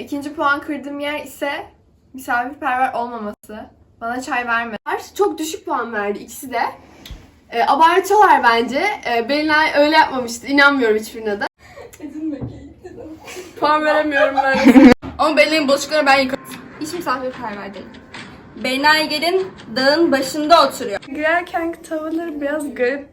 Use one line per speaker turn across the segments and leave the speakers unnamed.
İkinci puan kırdığım yer ise misafirperver olmaması. Bana çay vermedi. Çok düşük puan verdi ikisi de. Abartıyorlar bence. Belinay öyle yapmamıştı. İnanmıyorum hiçbirine de. Puan veremiyorum ben.
Ama Belinay'ın bulaşıklarını ben yıkadım.
Hiç misafirperver değil.
Belinay gelin dağın başında oturuyor.
Girerken tavırları biraz garip.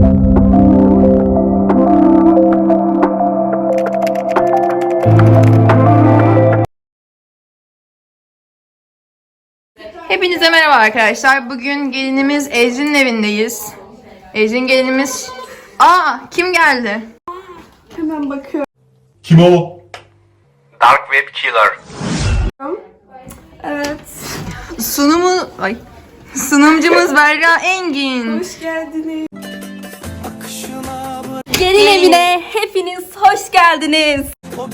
Hepinize merhaba arkadaşlar. Bugün gelinimiz Ecrin'in evindeyiz. Ecrin gelinimiz... Kim geldi?
Hemen bakıyorum.
Kim o?
Dark Web Killer.
Evet.
Sunumcumuz Berra Engin.
Hoş geldiniz.
Gelin evine hepiniz hoş geldiniz.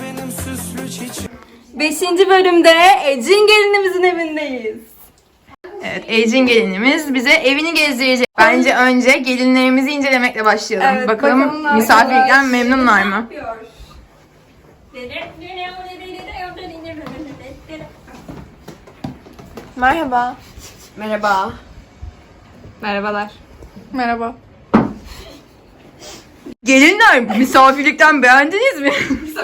5. bölümde Ecrin gelinimizin evindeyiz.
Evet, Ecrin gelinimiz bize evini gezdirecek. Bence önce gelinlerimizi incelemekle başlayalım.
Evet,
bakalım misafirlikten memnunlar mı?
Merhaba. Merhaba.
Merhabalar.
Merhaba.
Gelinler, misafirlikten beğendiniz mi?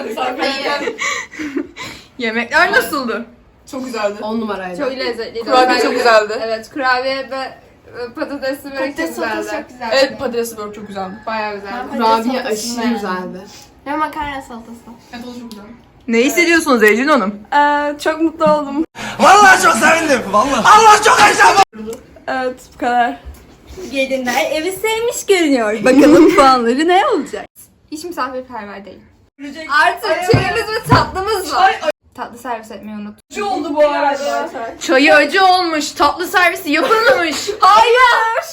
Yemekler nasıldı?
Çok güzeldi. 10 numaraydı.
Çok lezzetliydi.
Kurabiye çok güzeldi.
Evet, kurabiye ve patatesli börek çok güzeldi.
Evet, patatesli börek çok güzeldi.
Bayağı güzeldi.
Kurabiye aşırı güzeldi.
Ve makarna salatası.
Evet, o da çok güzeldi.
Ne hissediyorsunuz Ecrin Hanım?
Çok mutlu oldum.
Vallahi çok sevindim. Vallahi. Allah çok heyecanlı.
Evet, bu kadar.
Gelinler evi sevmiş görünüyor. Bakalım puanları ne olacak? Hiç misafirperver değil. Artık çayımız ve tatlımız var. Tatlı servis etmeyi unut.
Şu oldu bu arada.
Çayı acı olmuş, tatlı servisi yapılmamış.
Hayır.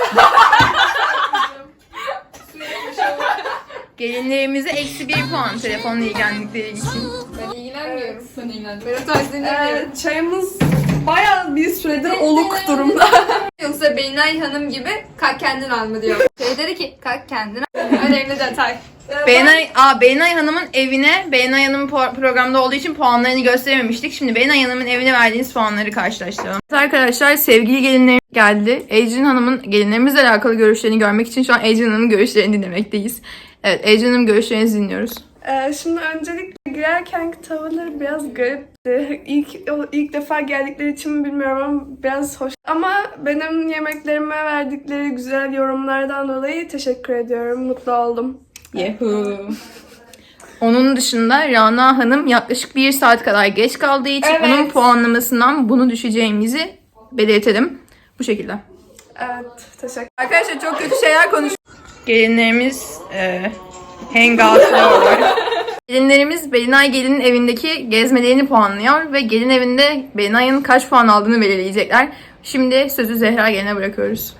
Gelinlerimize -1 puan telefonla ilgilendikleri için.
Ben ilgilenmiyorum. Ben ilgilenmiyorum. Ben o tarz dinlemiyorum.
Çayımız bayağı bir süredir oluk durumda.
Yoksa Belinay Hanım gibi kalk kendin al mı diyor. Şey dedi ki kalk kendin al. Önemli detay.
Belinay Hanım'ın evine, Belinay Hanım programda olduğu için puanlarını gösterememiştik. Şimdi Belinay Hanım'ın evine verdiğiniz puanları karşılaştıralım. Evet arkadaşlar, sevgili gelinlerimiz geldi. Ecrin Hanım'ın gelinlerimizle alakalı görüşlerini görmek için şu an Ecrin Hanım'ın görüşlerini dinlemekteyiz. Evet, Ecrin Hanım görüşlerinizi dinliyoruz.
Şimdi öncelikle girerken tavırları biraz garipti. İlk defa geldikleri için mi bilmiyorum ama biraz hoş. Ama benim yemeklerime verdikleri güzel yorumlardan dolayı teşekkür ediyorum. Mutlu oldum.
Yahoo. Onun dışında Rana Hanım yaklaşık 1 saat kadar geç kaldığı için
Evet.
onun puanlamasından bunu düşeceğimizi belirtelim. Bu şekilde.
Evet, teşekkür.
Arkadaşlar çok kötü şeyler konuşuyor. Gelinlerimiz hangout'lıyorlar. Gelinlerimiz Belinay gelinin evindeki gezmelerini puanlıyor ve gelin evinde Belinay'ın kaç puan aldığını belirleyecekler. Şimdi sözü Zehra geline bırakıyoruz.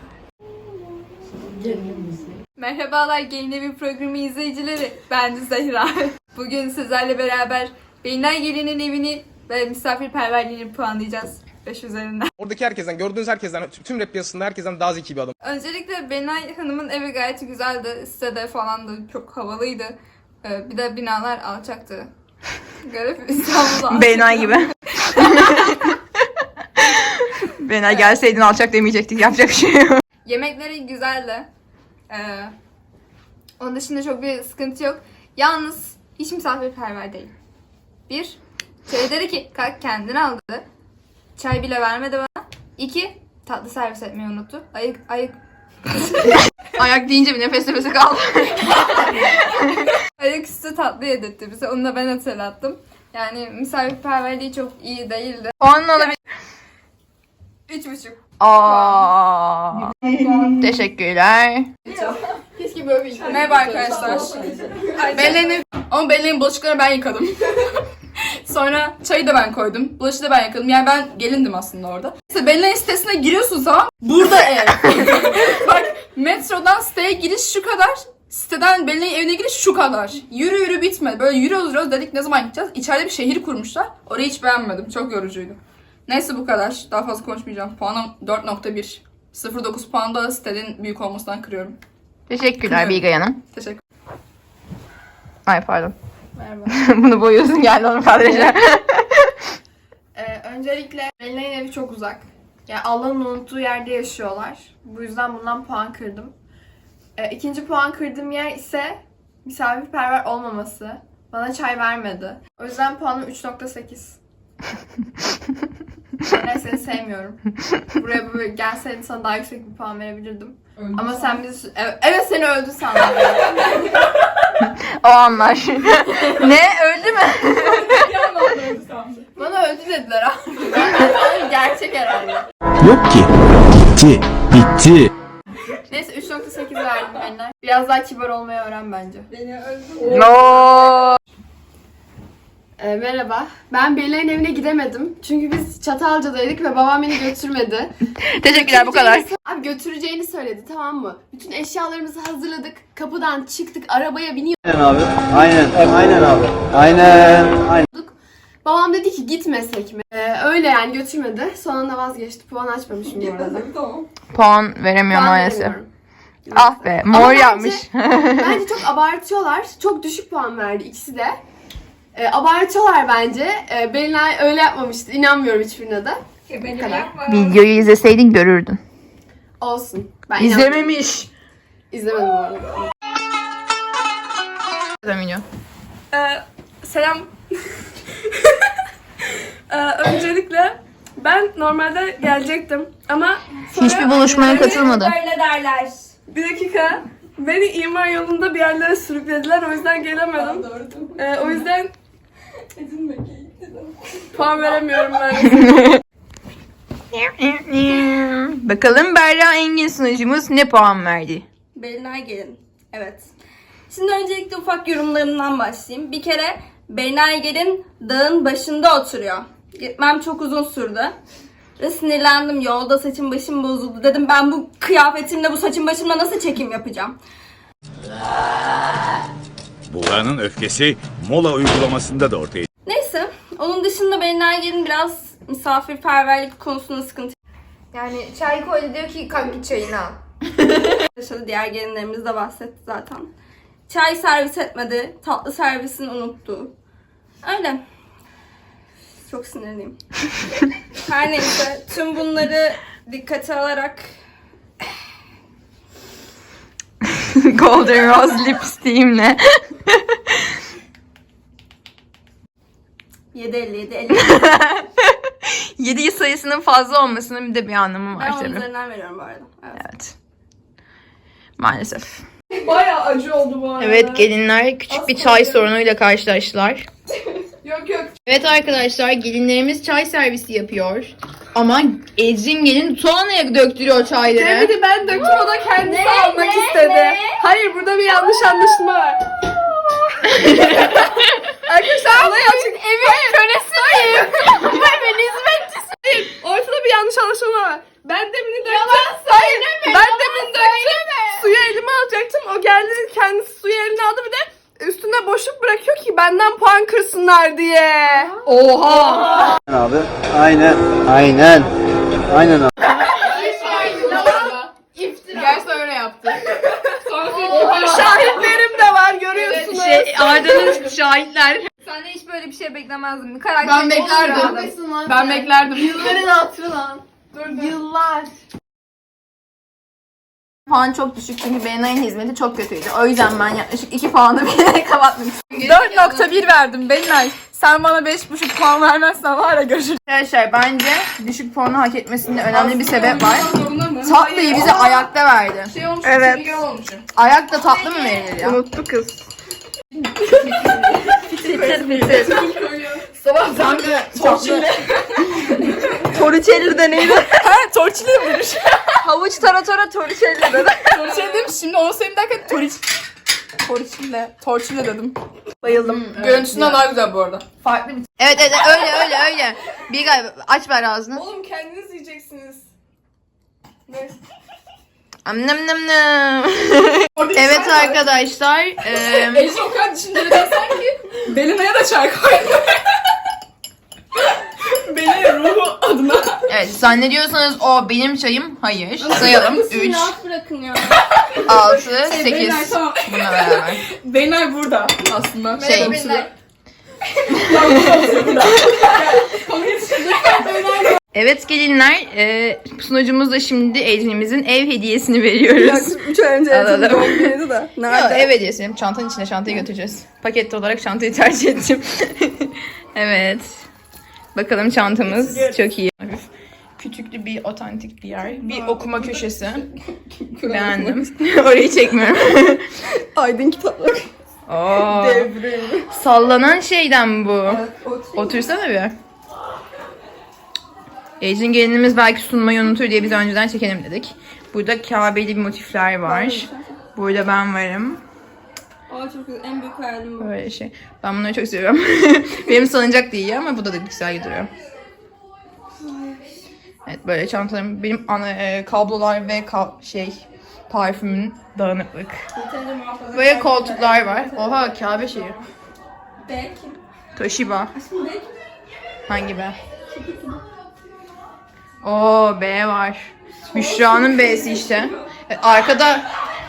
Merhabalar Gelin Evi programı izleyicileri. Ben de Zehra. Bugün sizlerle beraber Belinay Gelin'in evini ve misafirperverliğini puanlayacağız 5 üzerinden.
Oradaki herkesten, gördüğünüz herkesten, tüm rap piyasasında herkesten daha zeki bir adam.
Öncelikle Belinay Hanım'ın evi gayet güzeldi. Sitede falan da çok havalıydı. Bir de binalar alçaktı. Garip İstanbul'da.
Belinay gibi. Belinay gelseydin alçak demeyecektik. Yapacak bir şey yok.
Yemekleri güzeldi. Onun dışında çok bir sıkıntı yok. Yalnız hiç misafirperver değil. Bir, şey dedi ki kalk kendini al dedi. Çay bile vermedi bana. İki, tatlı servis etmeyi unuttu. Ayık.
Ayak deyince bir nefese kaldı.
Ayaküstü tatlı yedirtti bize. Onu da ben hatırlattım. Yani misafirperverliği çok iyi değildi.
Puanını alabilir.
3,5.
Teşekkürler.
Keşke böyle bir
Merhaba arkadaşlar. Belinay'ın bulaşıklarını ben yıkadım. Sonra çayı da ben koydum. Bulaşığı da ben yıkadım. Yani ben gelindim aslında orada. İşte Belinay'ın sitesine giriyorsun zaman burada ev. Bak metrodan siteye giriş şu kadar. Siteden Belinay'ın evine giriş şu kadar. Yürü bitmedi. Böyle yürüyoruz dedik ne zaman gideceğiz. İçeride bir şehir kurmuşlar. Orayı hiç beğenmedim. Çok yorucuydu. Neyse bu kadar. Daha fazla konuşmayacağım. Puanım 4.1. 0.9 puan da sitenin büyük olmasından kırıyorum.
Teşekkürler Bilge Hanım.
Teşekkür.
Ay pardon.
Merhaba.
Bunu boyuyorsun geldi onun kadraja.
Öncelikle Belinay'ın evi çok uzak. Yani Allah'ın unuttuğu yerde yaşıyorlar. Bu yüzden bundan puan kırdım. İkinci puan kırdığım yer ise misafirperver olmaması. Bana çay vermedi. O yüzden puanım 3.8. Ben seni sevmiyorum. Buraya böyle gelseydin sana daha yüksek bir puan verebilirdim. Ama sen bizi... Evet seni öldü sandım.
O anlar. Ne? Öldü mü?
Bana öldü dediler abi. Gerçek herhalde.
Yok ki. Bitti. Bitti.
Neyse 3.8 verdim Belinay. Biraz daha kibar olmayı öğren bence.
No.
Merhaba. Ben Belinay'ın evine gidemedim. Çünkü biz Çatalca'daydık ve babam beni götürmedi.
Teşekkürler bu kadar.
Abi götüreceğini söyledi, tamam mı? Bütün eşyalarımızı hazırladık. Kapıdan çıktık, arabaya biniyorduk.
Aynen abi. Aynen abi. Aynen.
Babam dedi ki gitmesek mi? Öyle yani götürmedi. Sonunda vazgeçti. Puan açmamışım bu arada.
Puan veremiyor
Puan
maalesef.
veremiyorum.
Ah be,
Ama
mor
bence-
yapmış.
Bence çok abartıyorlar. Çok düşük puan verdi ikisi de. Abartıyorlar bence. Belinay öyle yapmamıştı. İnanmıyorum hiçbirine de. Bu kadar.
Videoyu izleseydin görürdün.
Olsun. Ben inanmıyorum.
İzlememiş.
İzlemedim bu arada.
İzlemiyor.
Selam. Öncelikle ben normalde gelecektim ama sonra
Hiçbir buluşmaya katılmadı.
Böyle derler.
bir dakika beni imar yolunda bir yerlere sürüklediler, o yüzden gelemedim. O yüzden puan veremiyorum ben.
Bakalım Berra Engin sunucumuz ne puan verdi?
Belinay gelin. Evet. Şimdi öncelikle ufak yorumlarımdan başlayayım. Bir kere Belinay gelin dağın başında oturuyor. Gitmem çok uzun sürdü. Ve sinirlendim. Yolda saçım başım bozuldu. Dedim ben bu kıyafetimle, bu saçım başımla nasıl çekim yapacağım?
Buğra'nın öfkesi mola uygulamasında da ortaya
Neyse. Onun dışında Belinay gelin biraz misafirperverlik konusunda sıkıntı
Yani çay koydu, diyor ki kalk git çayını al.
yaşadı. Diğer gelinlerimiz de bahsetti zaten. Çay servis etmedi. Tatlı servisini unuttu. Öyle. Çok sinirliyim. Her neyse. Tüm bunları dikkate alarak
Golden Rose lipstiğimle.
7.50.
7 sayısının fazla olmasının bir de bir anlamı var
Ben onun
tabii.
üzerinden veriyorum bu arada. Evet.
Evet. Maalesef.
Bayağı acı oldu bu arada.
Evet, gelinler küçük bir çay sorunuyla karşılaştılar.
Yok yok.
Evet arkadaşlar, gelinlerimiz çay servisi yapıyor. Ama Ecrin gelin tuğanaya döktürüyor çayları.
Demedi, ben döktüm, o da kendisi almak istedi. Hayır, burada bir yanlış anlaşılma var. Arkadaşlar olay açık. Evin köresiyim. Hayır, ben hizmetçisiyim. Ortada bir yanlış anlaşılma var. Ben demin döktüm. Hayır, ben demin döktüm. Suyu elime alacaktım. O geldi, kendisi suyu eline aldı, bir de üstüne boşluk bırakıyor ki benden puan kırsınlar diye.
Oha!
Abi. Aynen abi.
Gerçi öyle yaptı.
Şahitlerim de var, görüyorsunuz.
Arda'nın şahitler.
Senden hiç böyle bir şey beklemezdim. Karakter
Ben beklerdim. Ben beklerdim.
Yılların hatırı lan. Dur, yıllar.
Puan çok düşük çünkü Belinay'ın hizmeti çok kötüydü. O yüzden ben yaklaşık 2 puanı bilerek kapatmak istedim.
4.1 verdim Belinay. Sen bana 5.5 puan vermezsen var ya görüşürüz.
Arkadaşlar bence düşük puanı hak etmesinde önemli bir sebep var. Tatlıyı bize ayakta verdi.
Evet.
Ayakta tatlı mı verilir ya?
Unuttu kız.
Sabahtan torçilli. Torçilli de neydi?
Ha torçili demiş.
Havuç taratora torçilli dedi.
Torçili demiş. Şimdi onu seveyim derken torçili dedim. Bayıldım. Görüntüsünden daha güzel bu arada.
Farklı bir... Evet öyle. Bir galiba aç ver ağzını.
Oğlum kendiniz yiyeceksiniz. Ne?
Nam nam nam. Evet arkadaşlar.
Ece o kadar düşünceli dersen ki Belinay'a da çay koy. Belinay ruhu adına.
Evet, zannediyorsanız o benim çayım. Hayır. Sayalım. 3,
Rahat bırakın ya.
6, 8.
Beyler, tamam.
Bununla beraber.
Beynay burada aslında.
Şey, evet gelinler, sunucumuz da şimdi Ecrin'imizin ev hediyesini veriyoruz.
3 ay önce
Alalım.
evde doğum günüydü de.
Yok, ev hediyesi. Çantanın içine çantayı götüreceğiz. Paketli olarak çantayı tercih ettim. Evet. Bakalım çantamız çok iyi. Hafif küçüklü bir otantik bir yer. Bir okuma köşesi. Beğendim. Orayı çekmiyorum.
Aydın kitapları.
Oo. Sallanan şeyden bu. Otursana bir. Ecrin gelinimiz belki sunmayı unutur diye biz önceden çekelim dedik. Burada Kabe'li bir motifler var. Burada ben varım.
Aa çok güzel. En büyük hayalim bu.
Böyle şey. Ben bunları çok seviyorum. Benim salıncak da iyi ama bu da güzel duruyor. Evet böyle çantalarım. Benim kablolar ve parfümün dağınıklık. Böyle koltuklar var. Oha Kabe şeyi.
Belki.
Toshiba. Hangi B? Oo B var. Büşra'nın B'si işte. Arkada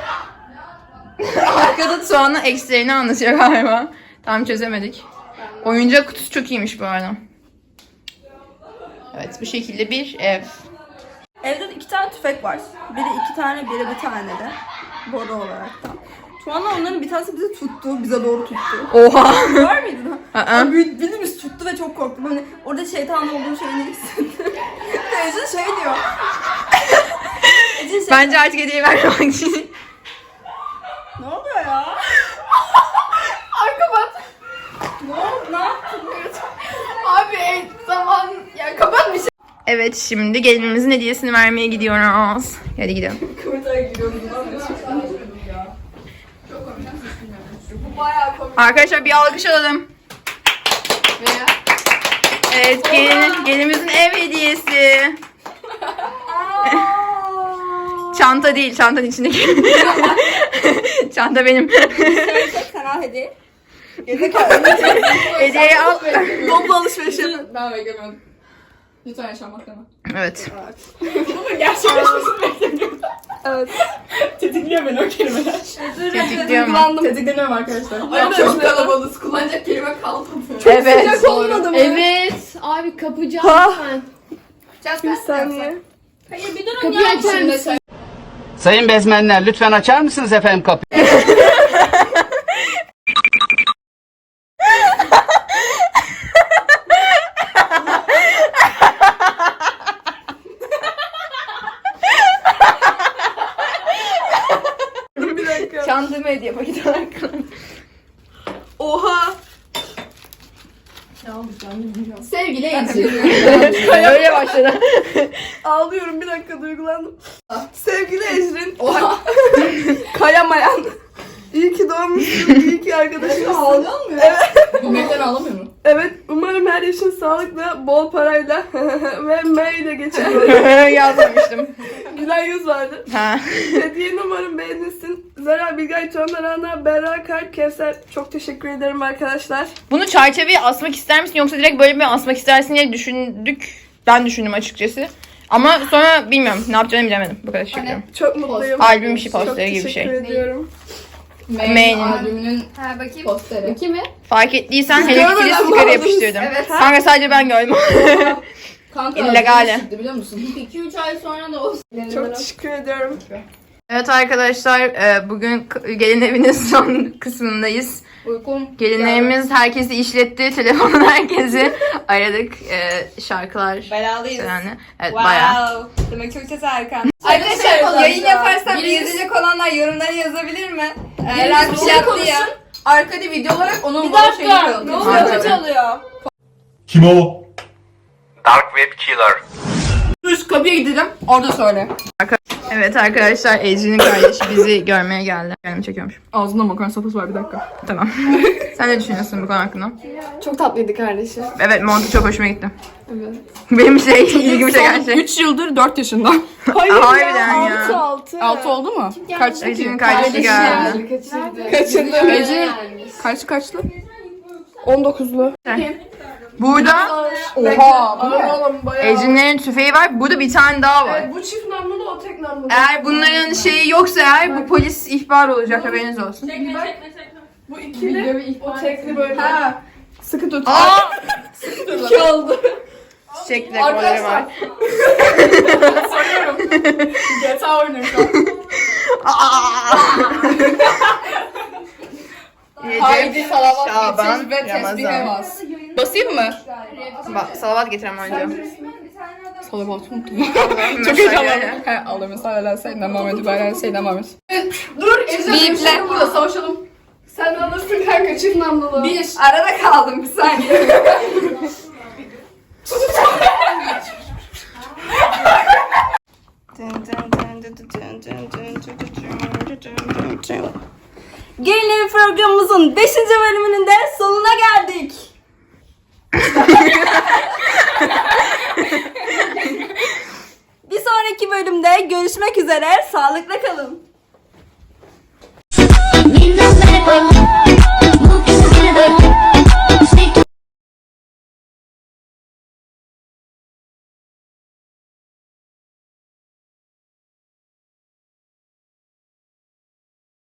Tuğan'ın eksilerini anlatıyor galiba. Tam çözemedik. Oyuncak kutusu çok iyiymiş bu arada. Evet bu şekilde bir ev.
Evde de 2 tane tüfek var. Biri 2 tane, biri bir tane de. Boru olaraktan. Şu anda onların bir tanesi bizi tuttu. Bize doğru tuttu.
Oha.
Var mıydı da?
Aa.
Birimiz tuttu ve çok korktum. Hani orada şeytan olduğu şeyini hissettim. Ecin şey diyor. Ecin şey...
Bence artık hediye vermemek için.
Ne oluyor ya?
Kapat.
Ne oldu? Ne yaptın?
Abi zaman ya kapat bir şey. Evet şimdi gelinimizin hediyesini vermeye gidiyoruz. Hadi gidelim. Arkadaşlar bir alkış alalım. Evet gelinimizin ev hediyesi. Çanta değil, çantanın içindeki. Çanta benim.
Kanal hediye.
Hediyeyi al.
Toplu alışveriş yapın.
Ben beklemiyordum. Lütfen yaşamak deme.
Evet.
Gerçekleşmesini beklemiyorum.
Evet.
Tetikliyor beni o kelimeler.
Tetikliyor mu?
Tetikledim arkadaşlar.
Ay,
Çok kalabalığız. Kullanacak kelime kalmadı.
Evet.
Sıcak olmadı mı?
Evet. Abi kapıcı
Ha.
lütfen.
Bir saniye.
Hayır bir durun
Kapıyı açar mısın?
Sayın bezmenler lütfen açar mısınız efendim kapıyı?
Bir dakika.
Çantama hediye paketi olarak.
Oha.
Sevgili Ecrin.
Öyle başladı.
Ağlıyorum bir dakika duygulandım. Sevgili Ecrin. Oha. Kayamayan. İyi ki doğmuşsun. İyi ki arkadaşımsın.
Ağlıyor mu?
Evet.
Gülmekten ağlamıyor mu?
Evet. Umarım her yaşın sağlıkla, bol parayla ve M ile geçer.
Yazmamıştım.
Gülen yüz vardı.
Ha.
Hediyeni umarım beğenirsin. Zara, Bilgay, Tuğan, Rana, Berra, Kalp, Kevser. Çok teşekkür ederim arkadaşlar.
Bunu çerçeveye asmak ister misin yoksa direkt böyle mi asmak istersin diye düşündük. Ben düşündüm açıkçası. Ama sonra bilmiyorum ne yapacağını bilemedim. Bu kadar teşekkür ederim.
Çok mutluyum.
Albüm işi
Çok
posteri gibi bir
teşekkür
şey.
ediyorum.
May'nin albümünün
Ha bakayım.
posteri.
Bakayım mı?
Fark ettiysen Hello Kitty'li
görmeden
sticker
mi
yapıştırdım.
Evet.
Kanka sadece ben gördüm.
Kanka
İllegale.
albümü çıktı biliyor musun?
2-3 ay sonra da olsun.
Çok teşekkür ediyorum.
Evet arkadaşlar bugün gelin evinin son kısmındayız.
Uykum.
Gelinlerimiz herkesi işletti. Telefonun herkesi aradık. Şarkılar
Belalıyız.
yani. Evet bayağı.
Demek çok ses Erkan.
Arkadaşlar
Yayın yaparsam
birisi-
izleyecek olanlar yorumlara yazabilir mi?
Eren bir şey yaptı ya. Arkada video olarak onun bana şeyini koyalım.
Ne oluyor?
Harbi.
Kötü oluyor.
Kim o?
Dark Web Killer.
Üst kapıya gidelim. Orada söyle.
Evet arkadaşlar Ecrin'in kardeşi bizi görmeye geldi. Kendimi çekiyormuş.
Ağzında makarna sopası var bir dakika.
Tamam. Sen ne düşünüyorsun bu konu hakkında?
Çok tatlıydı kardeşim.
Evet montu çok hoşuma gitti. Evet. Benim ilgimi çeken şey.
3 yıldır 4 yaşında.
Hayır
Harbiden ya.
6.
6 oldu mu? Kaç?
Ecrin'in kardeşi geldi.
Kaçırdı.
Ece kaçlı?
Kaçlı? 19'lu.
Burada
Oha, bu ne?
Oğlum bayağı.
Ejinlerin tüfeği var. Burada bir tane daha var.
Evet, bu çift namlulu, o tek namlulu.
Eğer bunların şeyi yoksa eğer bu polis ihbar olacak, haberiniz olsun.
Bu ikili, o tekli böyle.
Ha. Sıkı tut.
Aa!
İki oldu.
Çiçek dekorları var.
Soruyorum. GTA oynuyorum şu an. Haydi
Recep,
salavat
Şaban,
getir ve tesbih
Ramazan.
bas. Basayım mı?
Salavat getirem önce.
Salavat unuttum. Çok heyecanlandım. He, Allah'ım sallallahu aleyhi ve sellem Muhammed ve aleyhi seyyidina Muhammed.
Dur, Ejder
Biple.
burada savaşalım. Sen alırsın kanka çift namlulu.
Arada kaldım bir saniye.
Gelin programımızın 5. bölümünün de sonuna geldik. Bir sonraki bölümde görüşmek üzere. Sağlıkla kalın.